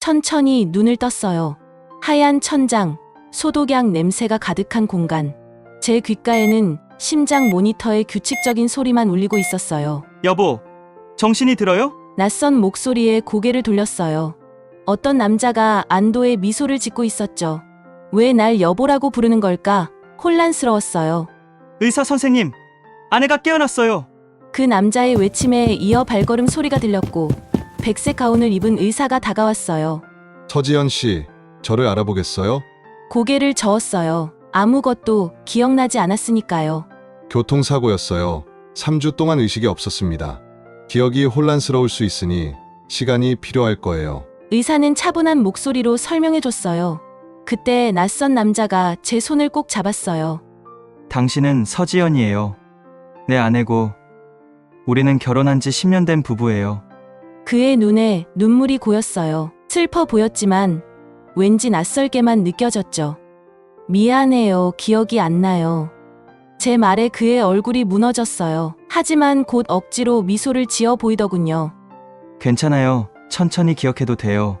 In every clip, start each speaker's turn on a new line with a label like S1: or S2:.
S1: 천천히 눈을 떴어요. 하얀 천장, 소독약 냄새가 가득한 공간. 제 귓가에는 심장 모니터의 규칙적인 소리만 울리고 있었어요.
S2: 여보, 정신이 들어요?
S1: 낯선 목소리에 고개를 돌렸어요. 어떤 남자가 안도의 미소를 짓고 있었죠. 왜 날 여보라고 부르는 걸까? 혼란스러웠어요.
S2: 의사 선생님, 아내가 깨어났어요.
S1: 그 남자의 외침에 이어 발걸음 소리가 들렸고 백색 가운을 입은 의사가 다가왔어요.
S3: 서지연 씨, 저를 알아보겠어요?
S1: 고개를 저었어요. 아무것도 기억나지 않았으니까요.
S3: 교통사고였어요. 3주 동안 의식이 없었습니다. 기억이 혼란스러울 수 있으니 시간이 필요할 거예요.
S1: 의사는 차분한 목소리로 설명해줬어요. 그때 낯선 남자가 제 손을 꼭 잡았어요.
S2: 당신은 서지연이에요. 내 아내고 우리는 결혼한 지 10년 된 부부예요.
S1: 그의 눈에 눈물이 고였어요. 슬퍼 보였지만 왠지 낯설게만 느껴졌죠. 미안해요. 기억이 안 나요. 제 말에 그의 얼굴이 무너졌어요. 하지만 곧 억지로 미소를 지어 보이더군요.
S2: 괜찮아요. 천천히 기억해도 돼요.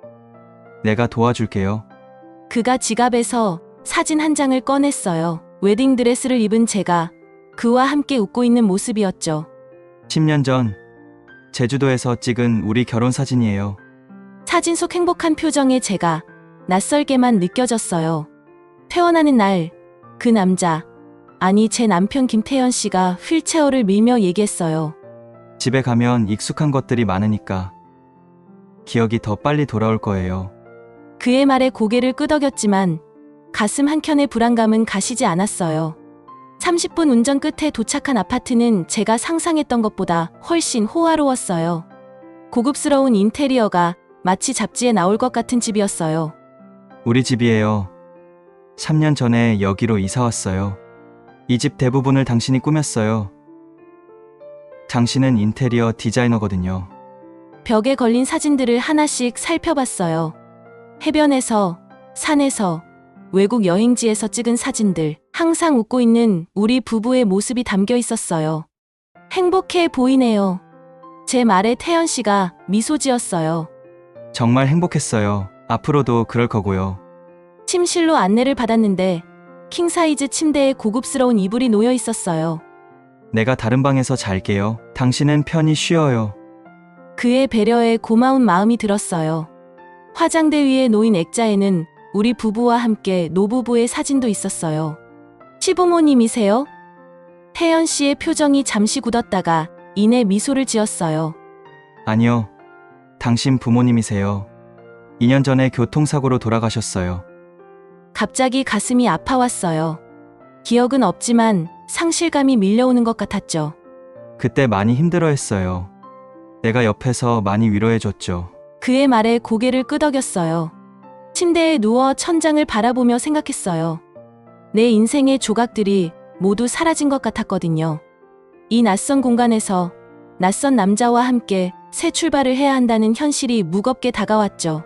S2: 내가 도와줄게요.
S1: 그가 지갑에서 사진 한 장을 꺼냈어요. 웨딩드레스를 입은 제가 그와 함께 웃고 있는 모습이었죠.
S2: 10년 전 제주도에서 찍은 우리 결혼 사진이에요.
S1: 사진 속 행복한 표정에 제가 낯설게만 느껴졌어요. 퇴원하는 날, 그 남자, 아니 제 남편 김태현 씨가 휠체어를 밀며 얘기했어요.
S2: 집에 가면 익숙한 것들이 많으니까 기억이 더 빨리 돌아올 거예요.
S1: 그의 말에 고개를 끄덕였지만 가슴 한켠의 불안감은 가시지 않았어요. 30분 운전 끝에 도착한 아파트는 제가 상상했던 것보다 훨씬 호화로웠어요. 고급스러운 인테리어가 마치 잡지에 나올 것 같은 집이었어요.
S2: 우리 집이에요. 3년 전에 여기로 이사 왔어요. 이 집 대부분을 당신이 꾸몄어요. 당신은 인테리어 디자이너거든요.
S1: 벽에 걸린 사진들을 하나씩 살펴봤어요. 해변에서, 산에서, 외국 여행지에서 찍은 사진들, 항상 웃고 있는 우리 부부의 모습이 담겨 있었어요. 행복해 보이네요. 제 말에 태연 씨가 미소 지었어요.
S2: 정말 행복했어요. 앞으로도 그럴 거고요.
S1: 침실로 안내를 받았는데 킹사이즈 침대에 고급스러운 이불이 놓여 있었어요.
S2: 내가 다른 방에서 잘게요. 당신은 편히 쉬어요.
S1: 그의 배려에 고마운 마음이 들었어요. 화장대 위에 놓인 액자에는 우리 부부와 함께 노부부의 사진도 있었어요. 시부모님이세요? 태연 씨의 표정이 잠시 굳었다가 이내 미소를 지었어요.
S2: 아니요. 당신 부모님이세요. 2년 전에 교통사고로 돌아가셨어요.
S1: 갑자기 가슴이 아파왔어요. 기억은 없지만 상실감이 밀려오는 것 같았죠.
S2: 그때 많이 힘들어했어요. 내가 옆에서 많이 위로해줬죠.
S1: 그의 말에 고개를 끄덕였어요. 침대에 누워 천장을 바라보며 생각했어요. 내 인생의 조각들이 모두 사라진 것 같았거든요. 이 낯선 공간에서 낯선 남자와 함께 새 출발을 해야 한다는 현실이 무겁게 다가왔죠.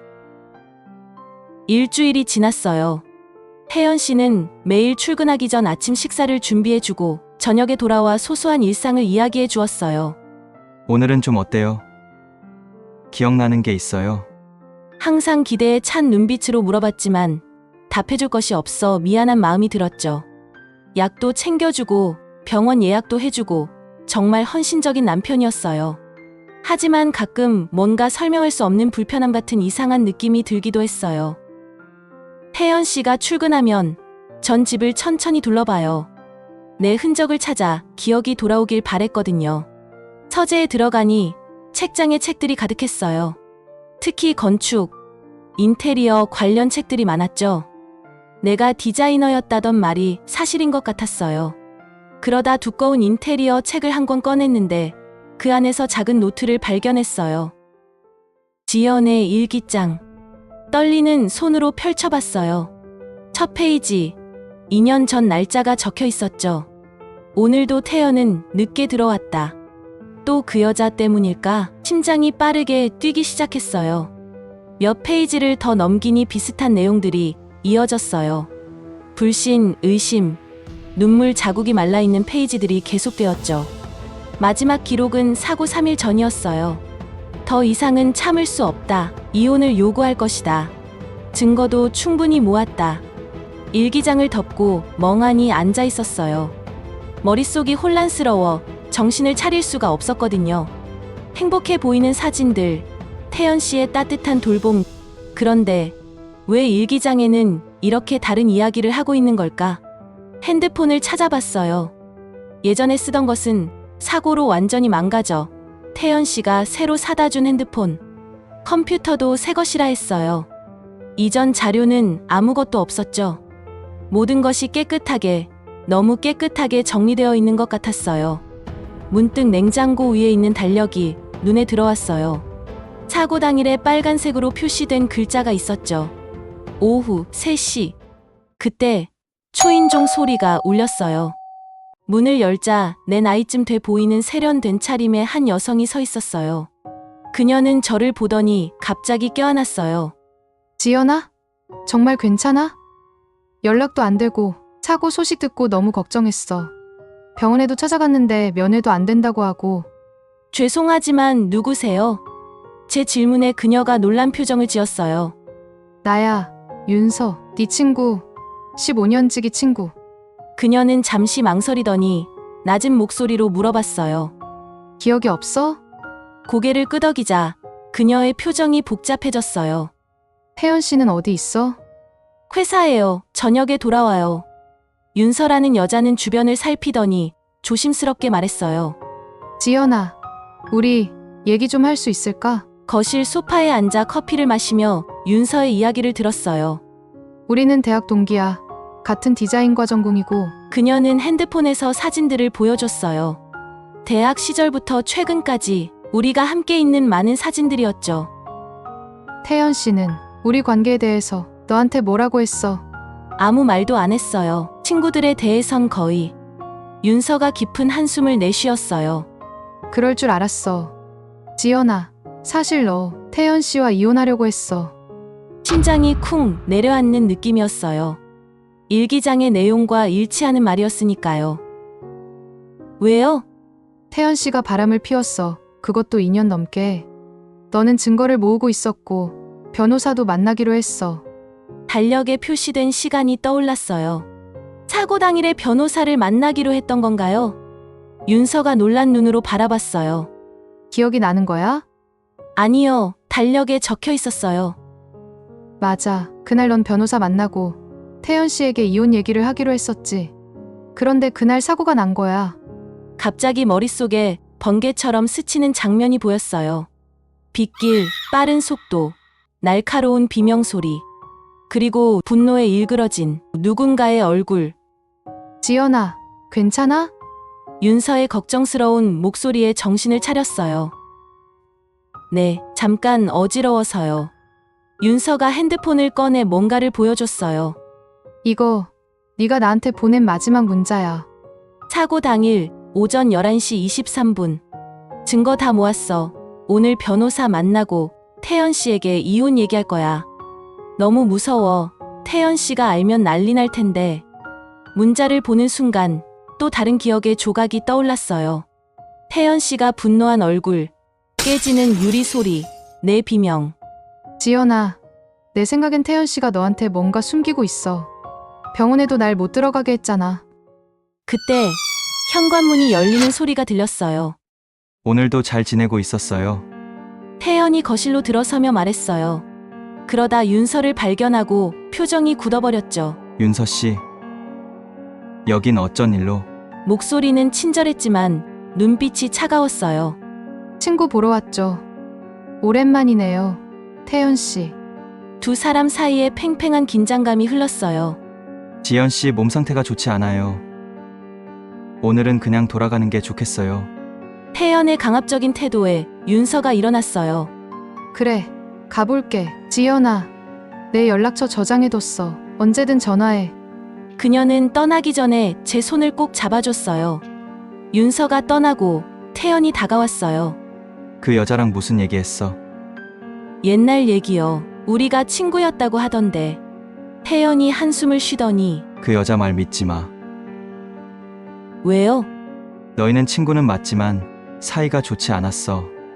S1: 일주일이 지났어요. 혜연 씨는 매일 출근하기 전 아침 식사를 준비해주고 저녁에 돌아와 소소한 일상을 이야기해 주었어요.
S2: 오늘은 좀 어때요? 기억나는 게 있어요?
S1: 항상 기대에 찬 눈빛으로 물어봤지만 답해줄 것이 없어 미안한 마음이 들었죠. 약도 챙겨주고 병원 예약도 해주고 정말 헌신적인 남편이었어요. 하지만 가끔 뭔가 설명할 수 없는 불편함 같은 이상한 느낌이 들기도 했어요. 혜연 씨가 출근하면 전 집을 천천히 둘러봐요. 내 흔적을 찾아 기억이 돌아오길 바랬거든요. 서재에 들어가니 책장에 책들이 가득했어요. 특히 건축, 인테리어 관련 책들이 많았죠. 내가 디자이너였다던 말이 사실인 것 같았어요. 그러다 두꺼운 인테리어 책을 한 권 꺼냈는데 그 안에서 작은 노트를 발견했어요. 지연의 일기장. 떨리는 손으로 펼쳐봤어요. 첫 페이지, 2년 전 날짜가 적혀 있었죠. 오늘도 태연은 늦게 들어왔다. 또 그 여자 때문일까? 심장이 빠르게 뛰기 시작했어요. 몇 페이지를 더 넘기니 비슷한 내용들이 이어졌어요. 불신, 의심, 눈물 자국이 말라있는 페이지들이 계속되었죠. 마지막 기록은 사고 3일 전이었어요. 더 이상은 참을 수 없다. 이혼을 요구할 것이다. 증거도 충분히 모았다. 일기장을 덮고 멍하니 앉아 있었어요. 머릿속이 혼란스러워 정신을 차릴 수가 없었거든요. 행복해 보이는 사진들, 태연 씨의 따뜻한 돌봄. 그런데 왜 일기장에는 이렇게 다른 이야기를 하고 있는 걸까? 핸드폰을 찾아봤어요. 예전에 쓰던 것은 사고로 완전히 망가져 태연 씨가 새로 사다 준 핸드폰, 컴퓨터도 새 것이라 했어요. 이전 자료는 아무것도 없었죠. 모든 것이 깨끗하게, 너무 깨끗하게 정리되어 있는 것 같았어요. 문득 냉장고 위에 있는 달력이 눈에 들어왔어요. 사고 당일에 빨간색으로 표시된 글자가 있었죠. 오후 3시. 그때 초인종 소리가 울렸어요. 문을 열자 내 나이쯤 돼 보이는 세련된 차림의 한 여성이 서 있었어요. 그녀는 저를 보더니 갑자기 껴안았어요.
S4: 지연아? 정말 괜찮아? 연락도 안 되고 사고 소식 듣고 너무 걱정했어. 병원에도 찾아갔는데 면회도 안 된다고 하고.
S1: 죄송하지만 누구세요? 제 질문에 그녀가 놀란 표정을 지었어요.
S4: 나야, 윤서, 네 친구. 15년지기 친구.
S1: 그녀는 잠시 망설이더니 낮은 목소리로 물어봤어요.
S4: 기억이 없어?
S1: 고개를 끄덕이자 그녀의 표정이 복잡해졌어요.
S4: 혜연 씨는 어디 있어?
S1: 회사에요. 저녁에 돌아와요. 윤서라는 여자는 주변을 살피더니 조심스럽게 말했어요.
S4: 지연아, 우리 얘기 좀 할 수 있을까?
S1: 거실 소파에 앉아 커피를 마시며 윤서의 이야기를 들었어요.
S4: 우리는 대학 동기야. 같은 디자인과 전공이고.
S1: 그녀는 핸드폰에서 사진들을 보여줬어요. 대학 시절부터 최근까지 우리가 함께 있는 많은 사진들이었죠.
S4: 태연 씨는 우리 관계에 대해서 너한테 뭐라고 했어?
S1: 아무 말도 안 했어요. 친구들에 대해선 거의. 윤서가 깊은 한숨을 내쉬었어요.
S4: 그럴 줄 알았어. 지연아, 사실 너 태연 씨와 이혼하려고 했어.
S1: 심장이 쿵 내려앉는 느낌이었어요. 일기장의 내용과 일치하는 말이었으니까요. 왜요?
S4: 태연 씨가 바람을 피웠어. 그것도 2년 넘게. 너는 증거를 모으고 있었고 변호사도 만나기로 했어.
S1: 달력에 표시된 시간이 떠올랐어요. 사고 당일에 변호사를 만나기로 했던 건가요? 윤서가 놀란 눈으로 바라봤어요.
S4: 기억이 나는 거야?
S1: 아니요, 달력에 적혀 있었어요.
S4: 맞아. 그날 넌 변호사 만나고 태연 씨에게 이혼 얘기를 하기로 했었지. 그런데 그날 사고가 난 거야.
S1: 갑자기 머릿속에 번개처럼 스치는 장면이 보였어요. 빗길, 빠른 속도, 날카로운 비명소리, 그리고 분노에 일그러진 누군가의 얼굴.
S4: 지연아, 괜찮아?
S1: 윤서의 걱정스러운 목소리에 정신을 차렸어요. 네, 잠깐 어지러워서요. 윤서가 핸드폰을 꺼내 뭔가를 보여줬어요.
S4: 이거 네가 나한테 보낸 마지막 문자야.
S1: 사고 당일 오전 11시 23분. 증거 다 모았어. 오늘 변호사 만나고 태연 씨에게 이혼 얘기할 거야. 너무 무서워. 태연 씨가 알면 난리 날 텐데. 문자를 보는 순간 또 다른 기억의 조각이 떠올랐어요. 태연 씨가 분노한 얼굴, 깨지는 유리 소리, 내 비명.
S4: 지연아, 내 생각엔 태연 씨가 너한테 뭔가 숨기고 있어. 병원에도 날 못 들어가게 했잖아.
S1: 그때 현관문이 열리는 소리가 들렸어요.
S2: 오늘도 잘 지내고 있었어요.
S1: 태연이 거실로 들어서며 말했어요. 그러다 윤서를 발견하고 표정이 굳어버렸죠.
S2: 윤서 씨. 여긴 어쩐 일로?
S1: 목소리는 친절했지만 눈빛이 차가웠어요.
S4: 친구 보러 왔죠. 오랜만이네요. 태연 씨.
S1: 두 사람 사이에 팽팽한 긴장감이 흘렀어요.
S2: 지연 씨 몸 상태가 좋지 않아요. 오늘은 그냥 돌아가는 게 좋겠어요.
S1: 태연의 강압적인 태도에 윤서가 일어났어요.
S4: 그래, 가볼게. 지연아, 내 연락처 저장해뒀어. 언제든 전화해.
S1: 그녀는 떠나기 전에 제 손을 꼭 잡아줬어요. 윤서가 떠나고 태연이 다가왔어요.
S2: 그 여자랑 무슨 얘기했어?
S1: 옛날 얘기요. 우리가 친구였다고 하던데. 태연이 한숨을 쉬더니
S2: 그 여자 말 믿지 마.
S1: 왜요?
S2: 너희는 친구는 맞지만 사이가 좋지 않았어.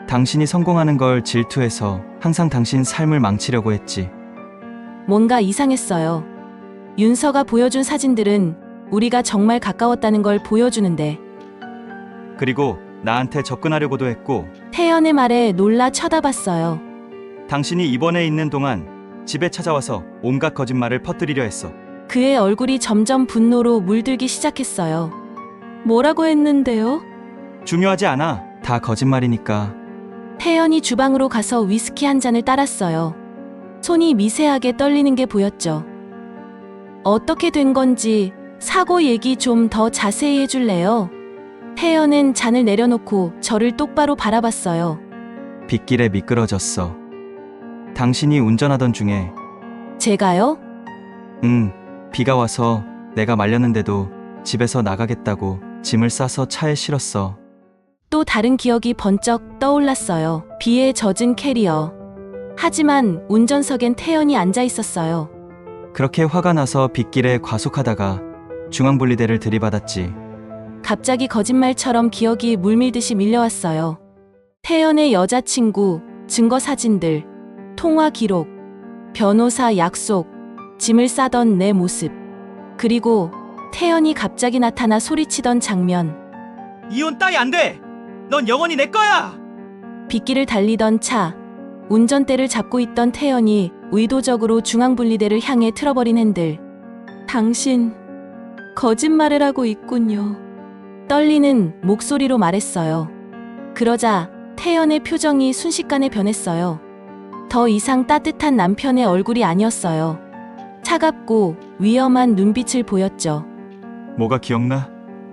S2: 당신이 성공하는 걸 질투해서 항상 당신 삶을 망치려고 했지.
S1: 뭔가 이상했어요. 윤서가 보여준 사진들은 우리가 정말 가까웠다는 걸 보여주는데
S2: 그리고 나한테 접근하려고도 했고,
S1: 태연의 말에 놀라 쳐다봤어요.
S2: 당신이 입원해 있는 동안 집에 찾아와서 온갖 거짓말을 퍼뜨리려 했어.
S1: 그의 얼굴이 점점 분노로 물들기 시작했어요. 뭐라고 했는데요?
S2: 중요하지 않아. 다 거짓말이니까.
S1: 태연이 주방으로 가서 위스키 한 잔을 따랐어요. 손이 미세하게 떨리는 게 보였죠. 어떻게 된 건지 사고 얘기 좀 더 자세히 해줄래요? 태연은 잔을 내려놓고 저를 똑바로 바라봤어요.
S2: 빗길에 미끄러졌어. 당신이 운전하던 중에.
S1: 제가요?
S2: 비가 와서 내가 말렸는데도 집에서 나가겠다고 짐을 싸서 차에 실었어.
S1: 또 다른 기억이 번쩍 떠올랐어요. 비에 젖은 캐리어. 하지만 운전석엔 태연이 앉아 있었어요.
S2: 그렇게 화가 나서 빗길에 과속하다가 중앙분리대를 들이받았지.
S1: 갑자기 거짓말처럼 기억이 물밀듯이 밀려왔어요. 태연의 여자친구, 증거 사진들, 통화 기록, 변호사 약속, 짐을 싸던 내 모습. 그리고 태연이 갑자기 나타나 소리치던 장면.
S2: 이혼 따위 안 돼! 넌 영원히 내 거야!
S1: 빗길을 달리던 차, 운전대를 잡고 있던 태연이 의도적으로 중앙분리대를 향해 틀어버린 핸들. 당신, 거짓말을 하고 있군요. 떨리는 목소리로 말했어요. 그러자 태연의 표정이 순식간에 변했어요. 더 이상 따뜻한 남편의 얼굴이 아니었어요. 차갑고 위험한 눈빛을 보였죠.
S2: 뭐가 기억나?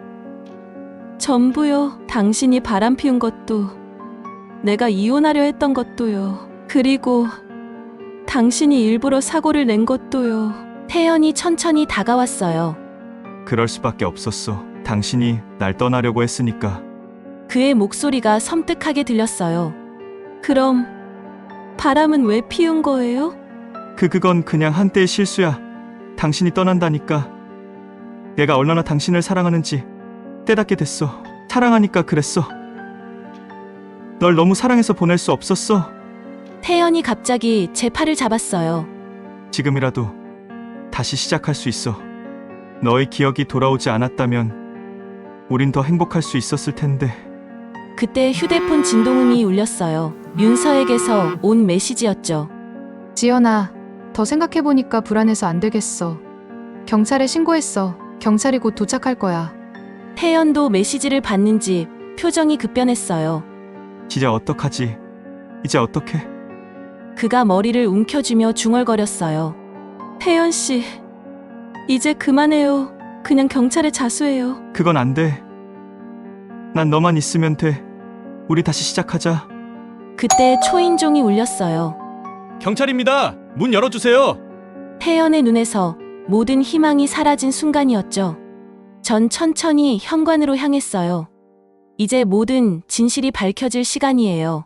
S1: 전부요. 당신이 바람 피운 것도, 내가 이혼하려 했던 것도요. 그리고 당신이 일부러 사고를 낸 것도요. 태연이 천천히 다가왔어요.
S2: 그럴 수밖에 없었어. 당신이 날 떠나려고 했으니까.
S1: 그의 목소리가 섬뜩하게 들렸어요. 그럼 바람은 왜 피운 거예요?
S2: 그건 그냥 한때의 실수야. 당신이 떠난다니까. 내가 얼마나 당신을 사랑하는지 깨닫게 됐어. 사랑하니까 그랬어. 널 너무 사랑해서 보낼 수 없었어.
S1: 태연이 갑자기 제 팔을 잡았어요.
S2: 지금이라도 다시 시작할 수 있어. 너의 기억이 돌아오지 않았다면 우린 더 행복할 수 있었을 텐데.
S1: 그때 휴대폰 진동음이 울렸어요. 윤서에게서 온 메시지였죠.
S4: 지연아, 더 생각해보니까 불안해서 안 되겠어. 경찰에 신고했어. 경찰이 곧 도착할 거야.
S1: 태연도 메시지를 받는지 표정이 급변했어요.
S2: 이제 어떡하지? 이제 어떡해?
S1: 그가 머리를 움켜쥐며 중얼거렸어요. 태연 씨, 이제 그만해요. 그냥 경찰에 자수해요.
S2: 그건 안 돼. 난 너만 있으면 돼. 우리 다시 시작하자.
S1: 그때 초인종이 울렸어요.
S5: 경찰입니다. 문 열어주세요.
S1: 태연의 눈에서 모든 희망이 사라진 순간이었죠. 전 천천히 현관으로 향했어요. 이제 모든 진실이 밝혀질 시간이에요.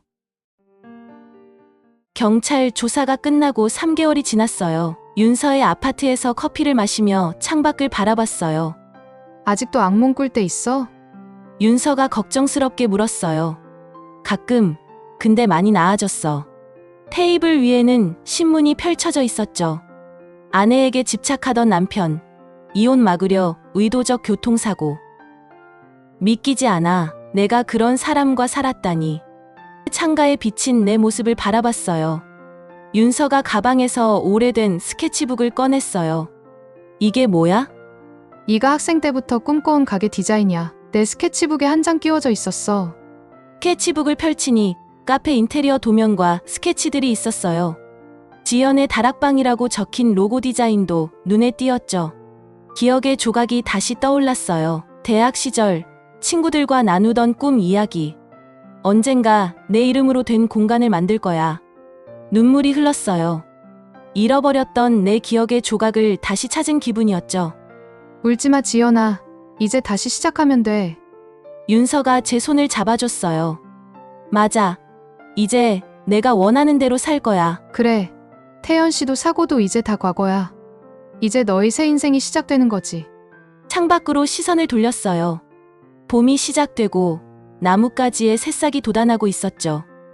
S1: 경찰 조사가 끝나고 3개월이 지났어요. 윤서의 아파트에서 커피를 마시며 창밖을 바라봤어요.
S4: 아직도 악몽 꿀 때 있어?
S1: 윤서가 걱정스럽게 물었어요. 가끔, 근데 많이 나아졌어. 테이블 위에는 신문이 펼쳐져 있었죠. 아내에게 집착하던 남편, 이혼 막으려 의도적 교통사고. 믿기지 않아. 내가 그런 사람과 살았다니. 창가에 비친 내 모습을 바라봤어요. 윤서가 가방에서 오래된 스케치북을 꺼냈어요. 이게 뭐야?
S4: 네가 학생 때부터 꿈꿔온 가게 디자인이야. 내 스케치북에 한 장 끼워져 있었어.
S1: 스케치북을 펼치니 카페 인테리어 도면과 스케치들이 있었어요. 지연의 다락방이라고 적힌 로고 디자인도 눈에 띄었죠. 기억의 조각이 다시 떠올랐어요. 대학 시절 친구들과 나누던 꿈 이야기. 언젠가 내 이름으로 된 공간을 만들 거야. 눈물이 흘렀어요. 잃어버렸던 내 기억의 조각을 다시 찾은 기분이었죠.
S4: 울지마 지연아. 이제 다시 시작하면 돼.
S1: 윤서가 제 손을 잡아줬어요. 맞아. 이제 내가 원하는 대로 살 거야.
S4: 그래. 태연 씨도 사고도 이제 다 과거야. 이제 너의 새 인생이 시작되는 거지.
S1: 창밖으로 시선을 돌렸어요. 봄이 시작되고 나뭇가지에 새싹이 돋아나고 있었죠.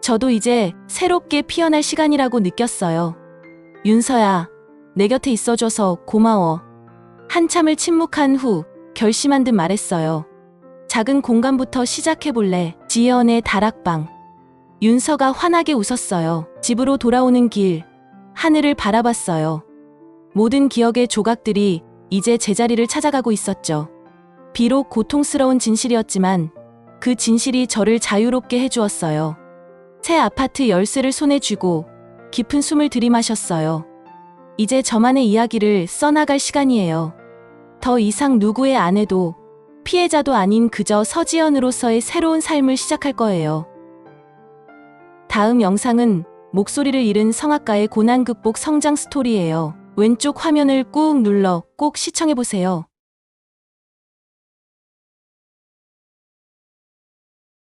S1: 저도 이제 새롭게 피어날 시간이라고 느꼈어요. 윤서야, 내 곁에 있어줘서 고마워. 한참을 침묵한 후 결심한 듯 말했어요. 작은 공간부터 시작해볼래? 지혜원의 다락방. 윤서가 환하게 웃었어요. 집으로 돌아오는 길, 하늘을 바라봤어요. 모든 기억의 조각들이 이제 제자리를 찾아가고 있었죠. 비록 고통스러운 진실이었지만 그 진실이 저를 자유롭게 해주었어요. 새 아파트 열쇠를 손에 쥐고 깊은 숨을 들이마셨어요. 이제 저만의 이야기를 써나갈 시간이에요. 더 이상 누구의 아내도 피해자도 아닌 그저 서지연으로서의 새로운 삶을 시작할 거예요. 다음 영상은 목소리를 잃은 성악가의 고난 극복 성장 스토리예요. 왼쪽 화면을 꾹 눌러 꼭 시청해보세요.